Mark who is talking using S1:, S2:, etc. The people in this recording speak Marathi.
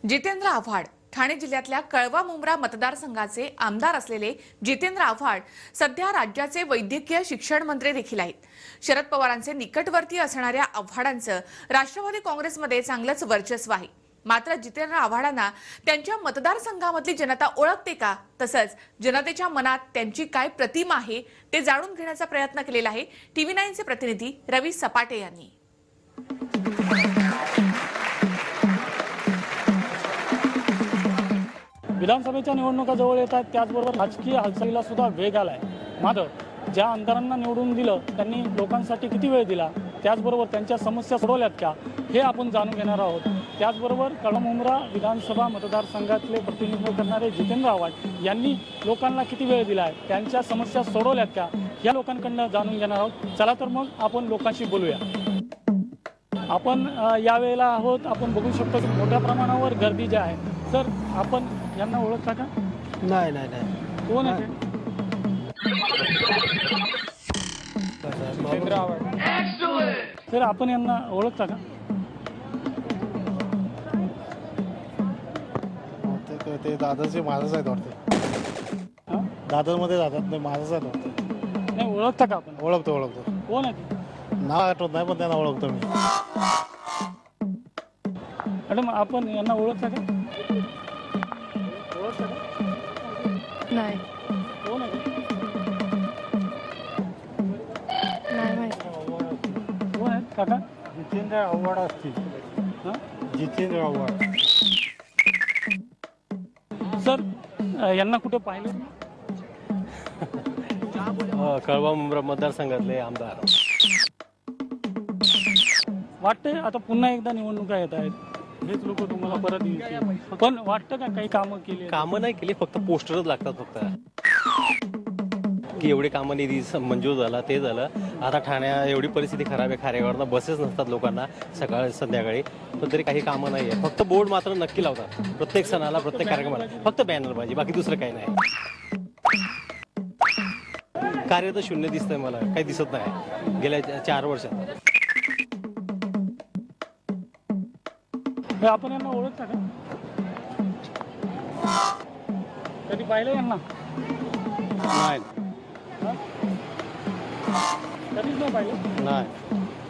S1: जितेंद्र आव्हाड ठाणे जिल्ह्यातल्या कळवा मुंब्रा मतदारसंघाचे आमदार असलेले जितेंद्र आव्हाड सध्या राज्याचे वैद्यकीय शिक्षण मंत्री देखील आहेत. शरद पवारांचे निकटवर्ती असणाऱ्या आव्हाडांचं राष्ट्रवादी काँग्रेसमध्ये चांगलंच वर्चस्व आहे. मात्र जितेंद्र आव्हाडांना त्यांच्या मतदारसंघामधली जनता ओळखते का, तसंच जनतेच्या मनात त्यांची काय प्रतिमा आहे ते जाणून घेण्याचा प्रयत्न केलेला आहे TV9चे प्रतिनिधी रवी सपाटे यांनी.
S2: विधानसभेच्या निवडणुका जवळ येतात, त्याचबरोबर राजकीय हालचालीला सुद्धा वेग आलाय. मात्र ज्या आमदारांना निवडून दिलं त्यांनी लोकांसाठी किती वेळ दिला, त्याचबरोबर त्यांच्या समस्या सोडवल्यात का, हे आपण जाणून घेणार आहोत. त्याचबरोबर कळवा मुंब्रा विधानसभा मतदारसंघातले प्रतिनिधित्व करणारे जितेंद्र आव्हाड यांनी लोकांना किती वेळ दिलाय, त्यांच्या समस्या सोडवल्यात का, या लोकांकडनं जाणून घेणार आहोत. चला तर मग आपण लोकांशी बोलूया. आपण यावेळेला आहोत, आपण बघू शकतो की मोठ्या प्रमाणावर गर्दी जी आहे. तर आपण यांना ओळखता का?
S3: नाही नाही नाही.
S2: कोण आहे? तर आपण यांना ओळखता का?
S3: ते दादाचे माझाच आहेत वाटते. दादामध्ये जातात नाही, माझाच आहेत वाटते.
S2: नाही, ओळखता का आपण?
S3: ओळखतो.
S2: कोण आहे ते?
S3: नाव आठवत नाही पण त्यांना ओळखतो मी.
S2: मॅडम, आपण यांना ओळखता का? ओळखता का?
S4: नाही
S2: कोण आहे ते?
S4: नाही माहिती.
S2: कोण आहेत काका?
S3: जितेंद्र आव्हाड असतील. जितेंद्र आव्हाड.
S2: सर, यांना कुठे पाहिलं?
S5: कळवा मुंब्रा मतदारसंघातले आमदार.
S2: वाटतंय आता पुन्हा एकदा निवडणुका येत आहेत, हेच लोक तुम्हाला परत येतील. पण वाटतं का काही कामं केली?
S5: कामं नाही केली, फक्त पोस्टरच लागतात फक्त, की एवढे कामं निधी मंजूर झाला, ते झालं. आता ठाण्या एवढी परिस्थिती खराब आहे, खारेगावरनं बसेस नसतात लोकांना सकाळी संध्याकाळी, पण तरी काही कामं नाही आहे. फक्त बोर्ड मात्र नक्की लावतात प्रत्येक सणाला, प्रत्येक कार्यक्रमाला. फक्त बॅनर पाहिजे, बाकी दुसरं काही नाही. कार्य तर शून्य दिसतंय मला, काही दिसत नाही गेल्या 4 वर्षात.
S2: आपण यांना ओळखता का? कधी पाहिलं यांना?
S5: नाही
S2: कधीच नाही पाहिलं.
S5: नाही